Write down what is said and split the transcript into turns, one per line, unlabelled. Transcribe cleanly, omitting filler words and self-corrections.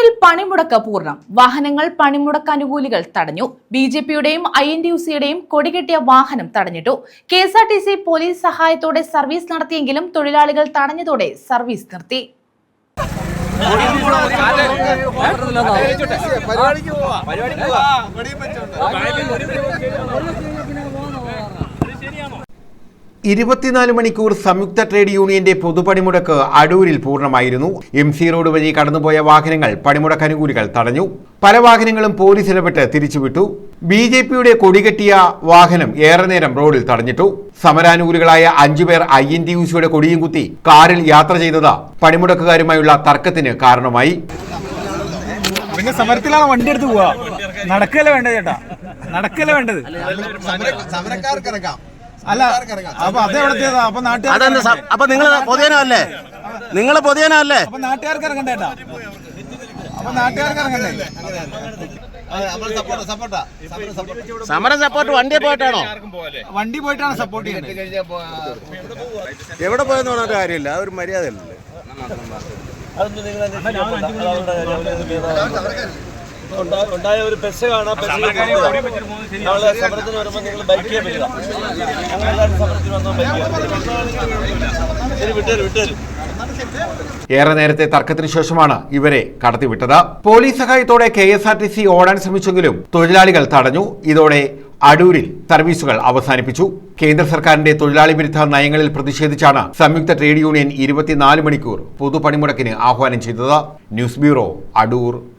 അടൂരിൽ പണിമുടക്ക് പൂർണ്ണം. വാഹനങ്ങൾ പണിമുടക്ക് അനുകൂലികൾ തടഞ്ഞു. ബിജെപിയുടെയും INTUC-യുടെയും കൊടികെട്ടിയ വാഹനം തടഞ്ഞിട്ടു. KSRTC പോലീസ് സഹായത്തോടെ സർവീസ് നടത്തിയെങ്കിലും തൊഴിലാളികൾ തടഞ്ഞതോടെ സർവീസ് നിർത്തി.
മണിക്കൂർ സംയുക്ത ട്രേഡ് യൂണിയന്റെ പൊതുപണിമുടക്ക് അടൂരിൽ പൂർണ്ണമായിരുന്നു. MC റോഡ് വഴി കടന്നുപോയ വാഹനങ്ങൾ പണിമുടക്ക് അനുകൂലികൾ തടഞ്ഞു. പല വാഹനങ്ങളും പോലീസ് ഇടപെട്ട് തിരിച്ചുവിട്ടു. BJPയുടെ കൊടികെട്ടിയ വാഹനം ഏറെ നേരം റോഡിൽ തടഞ്ഞിട്ടു. സമരാനുകൂലികളായ 5 പേർ INTUC-യുടെ കൊടിയും കുത്തി കാറിൽ യാത്ര ചെയ്തത് പണിമുടക്കുകാരുമായുള്ള തർക്കത്തിന് കാരണമായി.
പിന്നെ സമരത്തിലാണ് വണ്ടി എടുത്ത് പോവാ, നടക്കല്ലേ വേണ്ടത് ചേട്ടാ, നടക്കല്ലേ വേണ്ടത്. അല്ല അപ്പൊ അതെവിടത്തേതാ? അപ്പൊ നാട്ടുകാർ,
അപ്പൊ നിങ്ങൾ പൊതുജനമല്ലേ, നിങ്ങൾ പൊതുജനമല്ലേ,
അപ്പൊ നാട്ടുകാർക്ക് ഇറങ്ങണ്ടേട്ടാ, അപ്പൊ നാട്ടുകാർക്ക് ഇറങ്ങണ്ടേ.
സമരം സപ്പോർട്ട് വണ്ടിയെ പോയിട്ടാണോ?
വണ്ടി പോയിട്ടാണ് സപ്പോർട്ട് ചെയ്യുന്നത്.
എവിടെ പോയെന്ന് പറഞ്ഞിട്ട് കാര്യമില്ല, അതൊരു മര്യാദയല്ലേ.
ഉണ്ടായ ഒരു ബസ് കാണാം, സമരത്തിന് വരുമ്പോൾ നിങ്ങൾ ബൈക്ക് പറ്റില്ല, ഞങ്ങളെല്ലാവരും സമരത്തിന് വന്നാൽ വിട്ടേരും.
ഏറെ നേരത്തെ തർക്കത്തിന് ശേഷമാണ് ഇവരെ കടത്തിവിട്ടത്. പോലീസ് സഹായത്തോടെ KSRTC ഓടാൻ ശ്രമിച്ചെങ്കിലും തൊഴിലാളികൾ തടഞ്ഞു. ഇതോടെ അടൂരിൽ സർവീസുകൾ അവസാനിപ്പിച്ചു. കേന്ദ്ര സർക്കാരിന്റെ തൊഴിലാളി വിരുദ്ധ നയങ്ങളിൽ പ്രതിഷേധിച്ചാണ് സംയുക്ത ട്രേഡ് യൂണിയൻ 24 മണിക്കൂർ പൊതുപണിമുടക്കിന് ആഹ്വാനം ചെയ്തത്. News bureau, Adoor.